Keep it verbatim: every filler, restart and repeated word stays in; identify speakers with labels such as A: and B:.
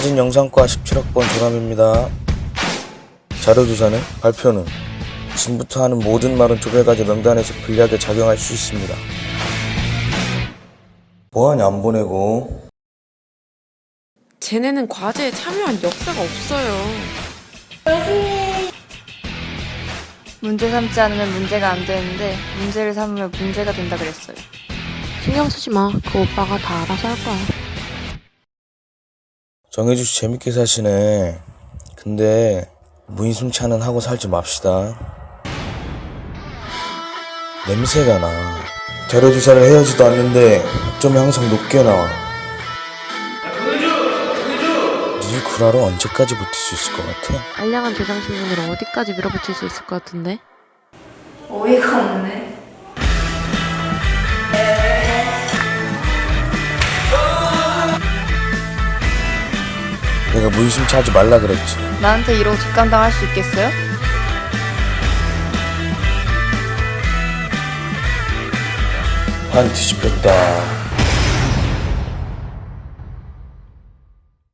A: 사진영상과 십칠억 번 조람입니다. 자료조사는 발표는 지금부터 하는 모든 말은 조별과제 명단에서 불리하게 작용할 수 있습니다. 뭐하냐 안 보내고.
B: 쟤네는 과제에 참여한 역사가 없어요.
C: 문제 삼지 않으면 문제가 안 되는데 문제를 삼으면 문제가 된다 그랬어요.
D: 신경 쓰지 마. 그 오빠가 다 알아서 할 거야.
A: 정혜주씨 재밌게 사시네. 근데 무인승차는 하고 살지 맙시다. 냄새가 나. 자료조사를 해야지도 않는데 학점이 항상 높게 나와. 니 구라로 언제까지 버틸 수 있을 것 같아?
D: 알량한 조장신문으로 어디까지 밀어붙일 수 있을 것 같은데?
C: 어이가 없네.
A: 내가 무인승차 하지 말라 그랬지.
C: 나한테 이러고 뒷감당할 수 있겠어요?
A: 반 뒤집혔다.